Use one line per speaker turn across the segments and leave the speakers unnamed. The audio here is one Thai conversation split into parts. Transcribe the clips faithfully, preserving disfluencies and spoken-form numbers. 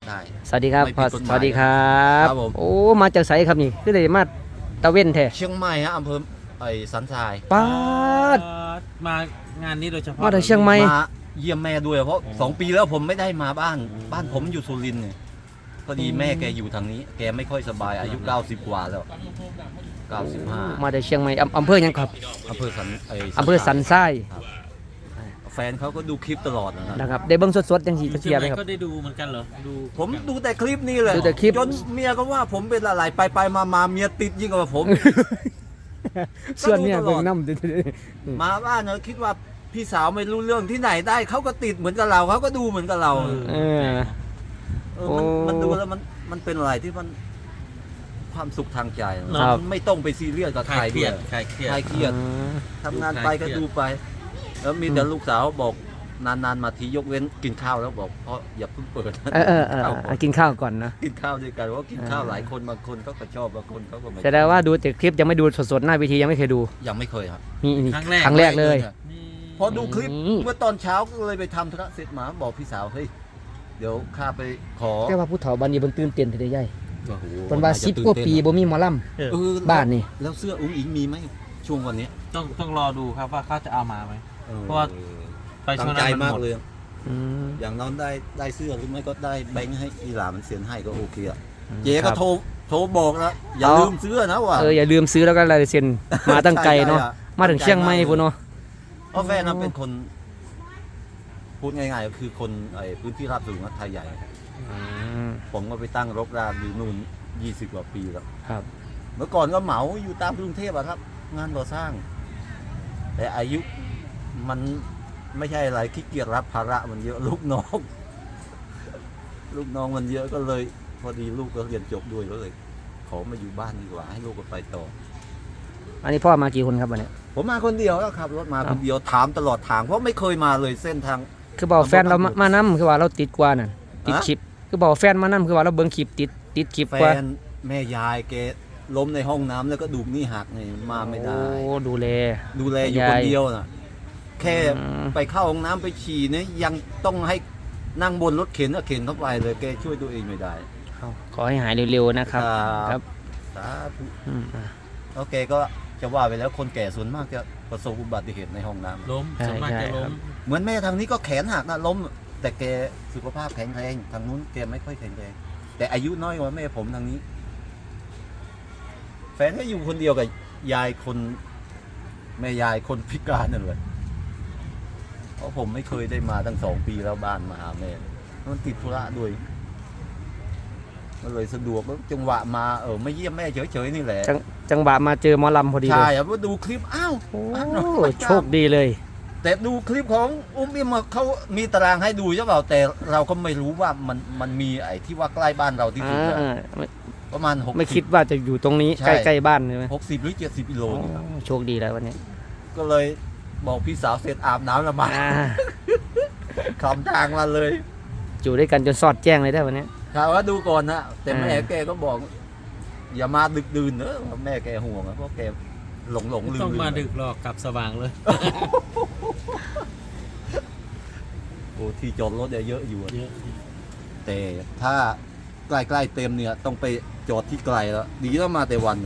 ได้
สวัสดีครับ
ไม่ผิดกฎหมาย
สวัสดีครับ
ครับผม
โอ้มาจากไสครับนี่คือเลยมาตะเว้นแท้
เชียงใหม่ฮะอำเภอไอ้สันทราย
ป้าด
มางานนี้โดยเฉพาะ
มาจากเชียงใหม่
มาเยี่ยมแม่ด้วยเพราะสองปีแล้วผมไม่ได้มาบ้าน บ้านผมอยู่สุรินทร์เนี่ยพอดีแม่แกอยู่ทางนี้ แกไม่ค่อยสบายอายุเก้าสิบกว่าแล้วเก้าสิบห้า
มาจากเชียงใหม่อำอำเภอหยังครับ
อำเภอสันไอ้
อำเภอสันทราย
แฟนเขาก็ดูคลิปตลอดนะครับ
นะครับได้เบิ่งสดๆจังสิ
อยู่
ตะ
เชี
เกี
ย
ย
ง
บ
ให
ไหม
ม่
ครับ
ก็ได้ดูเหมือนกันเหรอดู
ผมดูแต่คลิปนี้เลย
ดูแต่คลิป
จนเมียก็ว่าผมเป็นอะไรไปไปมามาเมียติดยิ่งกว่าผม
ส่วนเนี่ย
ก็ดูตลอด
เบิ่งน้ำ
มาบ้านเนาะคิดว่าพี่สาวไม่รู้เรื่องที่ไหนได้เขาก็ติดเหมือนกับเราเขาก็ดูเหมือนกับเรา
เออ
เออมัน
โอ้
มันดูแล้วมันมันเป็นอะไรที่มันความสุขทางใจ
ครับ
มันไม่ต้องไปซีเรียสกับ
ค
ใคร
ลายเครี
ด้วย ย
ดคลายเครียด
ใครเครียดทำงานไปก็ดูไป แล้วมีแต่ลูกสาวบอกนานๆมาทียกเว้นกินข้าวแล้วบอกเพราะอย่าเพิ่งเปิดนะ
เออเออเออ
ข้าวก่
เอา
อน
กินข้าวก่อนนะ
กินข้าวด้วยกันว่ากินข้าว
อ่า
หลายคนบางคนเขาก็ชอบบางคนเขาก็ไม่
แสดงว่าดูแต่คลิปยังไม่ดูสดๆหน้าเวทียังไม่เคยดู
ยังไม่เคยครับ
มีนี่
ครั้งแรก
ครั้งแรกเลย
นี่
พอดูคลิป
อืม
เมื่อตอนเช้าก็เลยไปทำธุระเสร็จมาบอกพี่สาวเฮ้ยเดี๋ยวข้าไปขอ
แต่ว่าผู้เฒ่าบ้านนี้เพิ่นตื่นเต้นทีเดียวใหญ่
โอ้โห
เพิ่นว่า
น่จะ
สิบ
ตื่น
กว่า
เต้น
ปีบ่มีหมอลำ
เออ
เออ
บ้านนี่
แล้วเสื้ออุ้งอิงมีไหมช่วงวันนี้
ต้องต้องรอดูครับว่าเขาจะเอามาไหม
ออ
เพราะว่า ไปช่
ตั้
ว
ง
ง
ใจ
นั้นมัน
มาก
หมด
เลย
อืม
อย่างน้องได้ได้เสื้อหรือไม่ก็ได้แบงค์ให้อีหลามันเซ็นให้ก็โอเคอะ
อืม
เจ๊
ครั
ก็
บ
โทรโทรบอกนะอย่า
เอา
ลืมซื้อนะว่ะ
เอออย่าลืมซื้อแล้วก็ลายเซ็นมาตั้งไกลเนาะ
ใช่ๆ
มาถึงเชียงใหม่พุ่นเนาะ
เพราะแฟนนั้นเป็นคนพูดง่ายๆก็คือคนไอ้พื้นที่ราบสูงนะไทยใหญ่
อืม
ผมก็ไปตั้งรกรากอยู่นู่นยี่สิบกว่าปีแล้ว
ครับ
เมื่อก่อนก็เหมาอยู่ตามกรุงเทพอะครับ งานก่อสร้าง แต่อายุมันไม่ใช่อะไรขี้เกียจรับภาระมันเยอะลูกน้อง ลูกน้องมันเยอะก็เลย พอดีลูกก็เรียนจบด้วยก็เลย ขอมาอยู่บ้านดีกว่าให้ลูกก็ไปต่อ
อันนี้พ่อมากี่คนครับวันนี้
ผมมาคนเดียวแล้วขับรถมาคนเดียวถามตลอดทางเพราะไม่เคยมาเลยเส้นทาง
คือบอกแฟนเรามามานํคือว่าเราติดกว่านั่นติด
ฮะ
คลิปคือบอกแฟนมานํคือว่าเราเบิ่งคลิปติดติดคลิป
แฟ
กว่า
นแม่ยายแกล้มในห้องน้ำแล้วก็ดูกนี่หักนี่มาไม่ได้
โอ้ดูแล
ดูแลอยู่
ยาย
คนเดียวน่ะ แค่
อืม
ไปเข้าห้องน้ำไปฉี่เนี่ยยังต้องให้นั่งบนรถเข็นก็เข็นเข้าไปเลยแกช่วยตัวเองไม่ได้
เอาขอให้หายเร็วๆนะครับ ครับ
สาธุ
อืมอ่ะ
แล้วแกก็จะว่าไปแล้วคนแก่ส่วนมากจะประสบอุบัติเหตุในห้องน้ำ
ล้ม
ใช่
ส่วนมาก
ใช่
จะล้
ครั
ม
บ
เหมือนแม่ทางนี้ก็แขนหักนะล้ม แต่แกสุขภาพแข็งแรงทางนู้นแกไม่ค่อยแข็งแรงแต่อายุน้อยกว่าแม่ผมทางนี้ แฟนก็อยู่คนเดียวกับยายคนแม่ยายคนพิการนั่นเลยเพราะผมไม่เคยได้มาตั้งสองปีแล้วบ้านมาหาแม่มันติดธุระด้วยก็เลยสะดวกแล้วจังหวะมาเออไม่เยี่ยมแม่เฉยๆนี่แหละ
จังจังหวะมาเจอหมอลำพอดีเล
ใช่
ย
ครับว่าดูคลิปอ้าว
โอ้
อ้าวน้อง
โชคดีเลย
แต่ดูคลิปของอุ้มอิมเขามีตารางให้ดูใช่เปล่าแต่เราก็ไม่รู้ว่ามันมันมีไอ้ที่ว่าใกล้บ้านเราที่สุดอะ
อ่าไม่
ประมาณหก
ไม่คิดว่าจะอยู่ตรงนี้
ใช่
ใกล้ๆบ้านใช่ไหม
หกสิบหรือเจ็ดสิบกิโล
โอ้
นี่ครับ
โชคดีแล้ววันนี้
ก็เลยบอกพี่สาวเสร็จอาบน้ำแล้วมา
อ่า
คำทางมาเลย
อยู่ด้วยกันจนสอดแจ้งเลยได้วันนี้
ถามว่าดูก่อนนะแต่แม่
อ่า
แกก็บอก อย่ามาดึกดื่นเนอะแม่แกห่วงอะเพราะแกหลงหลง
ไม่
ลืม
ต้อง
ลื
มาดึกหรอกกลับสว่างเลย
โอ้ที่จอดรถเนี่ยเยอะอยู่อะ
เยอะ
แต่ถ้าใกล้ๆเต็มเนี่ยต้องไปจอดที่ไกลแล้วดีแล้วมาแต่วันเลย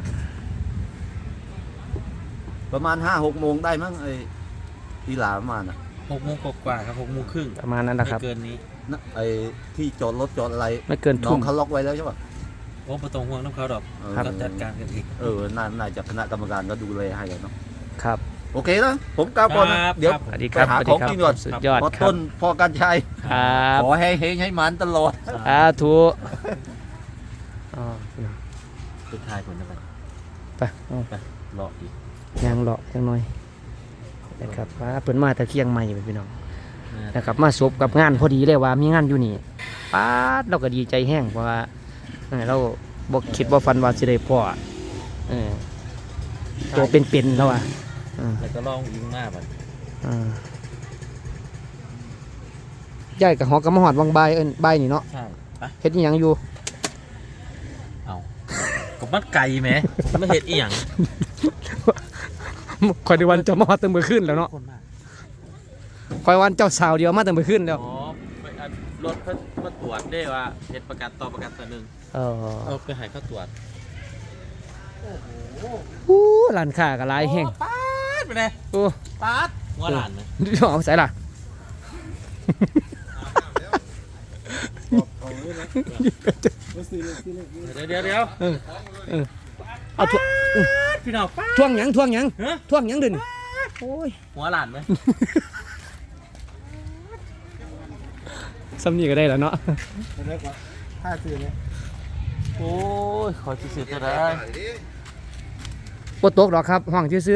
ประมาณห้าหกโมงได้มั้งไอ้ที่หลาประมาณน่ะ
หกโมงกว่าๆครับหกโมงครึ่ง
ประมาณนั้นนะ
ไม่
ครับ
เกินนี้
นะไอ้ที่จอดรถจอดอะไร
ไม่เกิน
น้อ
ทุ่
ง
ม
เขาล็อกไว้แล้วใช่ปะ
โอ้ประตองห่วงน้ำเขาดอก
เออ
เราจัดการกันเอง
เออน่าน่าจะคณะกรรมการก็ดูแลให้แล้วเนาะ
ครับ
โอเคนะผมกล่าวก่อนนะครับ เดี๋ยว
สวัสดีครับ
ไปหา
สวัส
ข
ดี
อง
ครับ
กินก่อน
สุดยอด
พอ
ครั
ต้
บ
นพอกันชัย
ครับ
ขอให้เฮงให้มันตลอด
สาธุอ๋อ
สุดท้ายผลจะไป
ไปเอา
ไปรออีก
ยังเลาะยังน้อยนะครับว่าเปิดมาแต่เที่ยงใหม่พี่น้องนะครับมาสบกับงานพอดีเลยว่ามีงานอยู่นี่ป๊าดเราก็ดีใจแห้งเพราะว่าเออเราบอกคิดว่าฟันว่าสิได้พ่อเออตัวเป็นๆแล้วอ่ะอืม
แล้วก็ลองยิงหน้ามัน
อ่าย่ายกับหอกกับมหอดวังใบายเอิ้นใบายนี่เนาะ
ใช่ไป
เฮ็ดอิหยังอยู่
เอากับมัดไก่ไหมไม่เห็ดอีหยัง
คอยในวันเจะมาฮอดตั้งมื้อคืนแล้วเนาะ
คนมาก
คอยวันเจ้าสาวเดียวมาตั้งมื้อคืนแล้ว
อ๋อไปอัดรถเขามาตรวจวจได้ว่าเป็นประกันต่อประกันตัวหนึ่ง
เออ
เอาไปให้เขาตรวจ
อู้ร้านค้าก็หลายแฮง
ปาดไปเลย
โอ้
ปาดหัวหลานเลย
เอาใส่ล่ะ
เดี๋ยวเดี๋ยวเดี๋ยว
เออเออเอาท่วง
พี่น้องปาด
ท่วงหยังท่วงหยัง
ฮะ
ท่วงหยังเดินโอ้ย
หัวหลานไหม
ซ้ำนี่ก็ได้แล้วเนาะ
ห้าซื้อเนี่ย
โอ้ยขอซื้อตัวได้
บ่ตกหรอกครับห้องซื่อ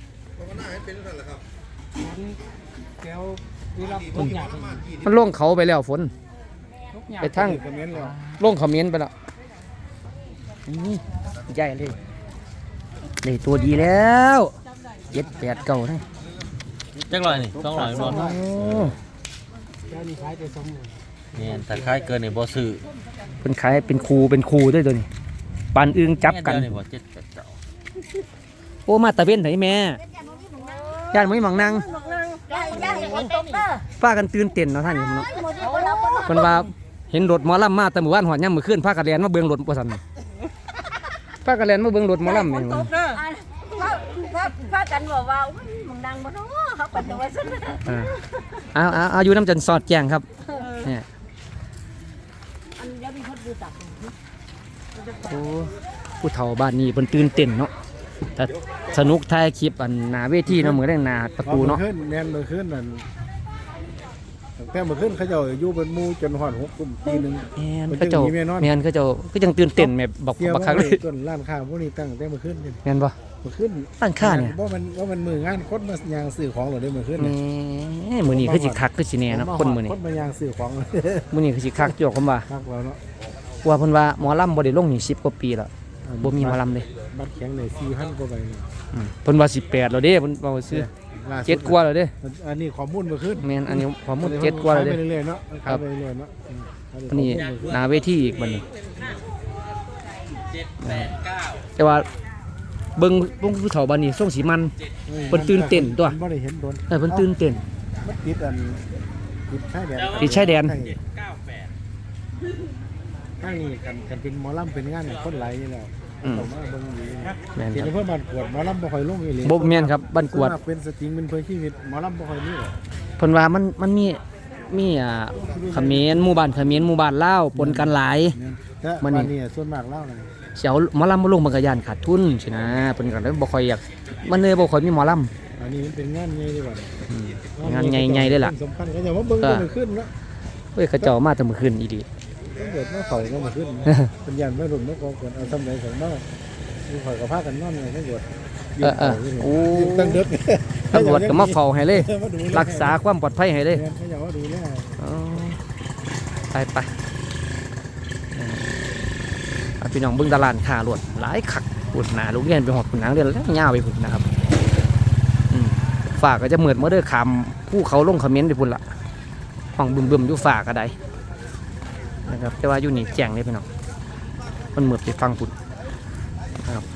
แก้วนี่รับทุกอย่าง
ๆมันลงเขาไปแล้วฝน ไปทาง
คอมเมนต์แล้ว
ลงคอมเมนต์ไปแล้วนี่ใหญ่เลยได้ตัวดีแล้วเจ็ดแปดเก้านะ
จักรอยนี่สองร้อยบอล
โอ้
แก้วนี่ขายแต่สองหมื่น
เนี่ยแต่ค่ายเกินในบ่ซื้อ
เป็นขายเป็นครูเป็นครูด้วยตัวนี้ปานอึงจับกัน
เดียวนี่บ่เจ็ดแปดเก้า
โอ้มาตะเวนไหนแม่ย่านไม่หมังนาง
ย่าย่าเห็นคนตกเด้อ
ป้ากันตื่นเต้นเนาะท่านนี่เนาะ
หมดที่คนเราคน
เพิ่นว่าเห็นรถหมอลำมาแต่หมู่บ้านหอดย่ำมื้อคืนพากันแล่นมาเบิ่งรถบ่ซั่นพากันแล่นมาเบิ่งรถหมอลำแม่ง
ตกเด้อพระพระพระกันบอกว่าอุ้ยมึงดังบ่เนาะเขาปัดตัวซะ
อ่าเอาเอาเอาอยู่น้ำจันทร์สอดแจ้งครับเนี่ย
อันเดี๋ยวมีคนดูตับ
โอ้ผู้เฒ่าบ้านนี้เพิ่นตื่นเต้นเนาะแต่สนุกถ่ายคลิปอันหน้าเวทีเนาะมื้อแรงหน้าประตูเนาะ
ขึ้นแน่นเลยขึ้นนั่นตั้งแต่เมื่อขึ้นเขาจะอยู่เป็นหมู่จนหอดหกกลุ่มปีหนึง
แม่น
มัน
เขาเจ้า
จังมีแม่นอน
แม่นเขาเจ้าก็ยังตื่นเต้นแม่บัก
เที่ยว
บักคักเลย
ต้นร้านค้าพวกนี้ตั้งแต่เมื่อขึ้นนี่
แม่นบ่
เมื่อขึ้น
ร้านค้าเนี่ย
ว่ามันว่ามันมืองานคนมายางซื้อของเหรอได้เมื่อขึ้น
แห
เนี่ย
มมื้อนี้คือสิคักคือสิแน่เนาะคนมื้อนี้
คนมายางซื้อของ
มื้อนี้คือสิคักอยู่ผมว่า
คักเราเนาะ
ว่าเพิ่นว่าหมอลำบ่ได้ลงนี่สิบกว่าปีแล้วบ่มีหมอลำเลย
บัตรแข็งเลยสี่พันกว่าใบเนี่ย
อืมเพิ่นว่าสิบแปดแล้วเด้เพิ่นเว้าซื่อ
ล่าสุ
เจ็ดกว่าแล้วเด้
อันนี้ข้อมูลเมื่อขึ้น
แม่นอันนี้ข้อมูลเจ็ดกว่าแล้ว
ขย
เด้
ไปเรื่อยๆเนาะขายไปเรื่อยๆเนาะอืม
อันนี้หน้าเวทีอีกบัดนี้
เจ็ดแปดเก้า
แต่ว่าเบิ่งเบิ่งผู้เฒ่าบ้านนี้ส่งสีมัน เพิ่นตื่นเต้นตัว
บ่ได้เห็นโดน
เออเพิ่นตื่นเต้น
มันติดอันติดชายแดน
ติดชายแดน
เจ็ดเก้าแปด
ข้างนี้กันกันเป็นหมอลำเป็นงานคนหลายอยู่แล้ว
อืม
ต้องมาเบิ่งอยู่นี่
แม่น
ที
ครับ
นี้เพื่อนบ้านกวดหมอลำบ่ค่อยลงอีหลี
บ่แม่นครับบ้านกวด
ส่นมเป็นสตริงเป็นเพื่อชีวิตหมอลำบ่ค่อยมีหรอก
เพิ่นว่ามันมันมีมีอ่าเขมรหมู่บ้านเขมรหมู่บ้านลาวปนกันหลาย
แต่
มื้
บ้า
อน นี้
นี้ส่วนมากเล่านะ
เสียวหมอลำบ่ลงมันก็ย่านขาดทุนสินะเพิ่นก็เลยบ่ค่อยอยากมันเลยบ่ค่อยมีหมอลำ
อันนี้มันเป็นงานใหญ่ดีกว่า
อืมงานใหญ่ๆเลยล่ะ
สำคัญก็อย่าว่าเบิ่ง
ก็
เบิ่งขึ้นเนาะ
เฮ้ยเขาเจ้ามาแต่มื้อคืนอีหลี
ต้องเกิดมาเขาก็มาขึ้นเป็นยันไม่รุ่นไม่กองกันเอาทำไหนของนอกมีข่อยกับพากันนอนเลยทั้งหมด
เออเออโอ้
ตั้งเด็ก
ตำรวจก็มาเฝ้าให้เลย รักษาความปลอดภัยให้เลย
เขาอยากว่าดูแล
อ๋อไปไปเออเอาพี่น้องเบิ่งตลาดขาหลวดหลายคักปุ่นหนาลูกเรียนไปหอดปุ่นหนังเรียนแล้วยาวไปปุ่นนะครับอืมฝากก็จะเหมือนเมื่อเด้อคำผู้เขาลงคอมเมนต์ไปปุ่นละห้องบึมๆอยู่ฝากก็ได้นะครับแต่ว่าอยู่นี่แจ้งเลยพี่น้องมันเหมือนไปฟังปุ่นนะครับ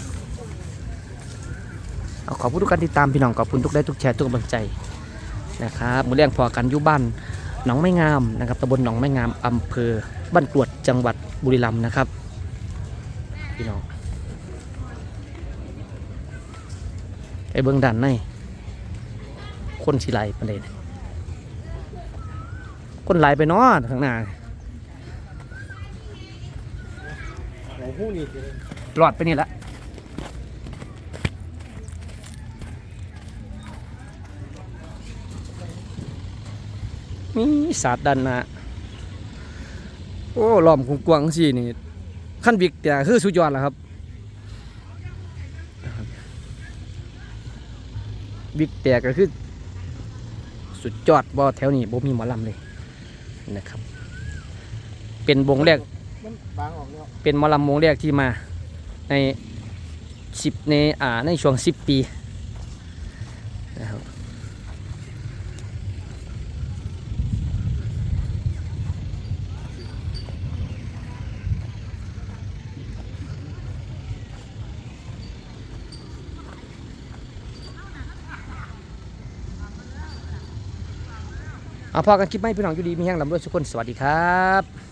เอาขอบคุณทุกการติดตามพี่น้องขอบคุณทุกได้ทุกแชร์ทุกกำลังใจนะครับมือเลี้ยงพอกันอยู่บ้านหนองไม้งามนะครับตำบลหนองไม้งามอำเภอบ้านกรวดจังหวัดบุรีรัมย์นะครับพี่น้องไปเบื้องด้านในคนสิไหลประเด็นคนไหลไปเนอข้างหน้า
โอ้โหนี่
หลอดไปนี่ละมีศาสตร์ด้านหน้าโอ้ล้อมกว้างๆสินี่ขั้นบิ๊กแต่คือสุดยอดแล้วครับบิ๊กแต่ก็คือสุดยอดบ่แถวนี้บ่มีหมอลำเลยนะครับเป็นวงแรก
มันบางออกแล้ว
เป็นหมอลำวงแรกที่มาในสิบในอ่าในช่วงสิบปีนะครับเอาพอกันคลิปไหมพี่น้องอยู่ดีมีแห้งลำด้วยทุกคนสวัสดีครับ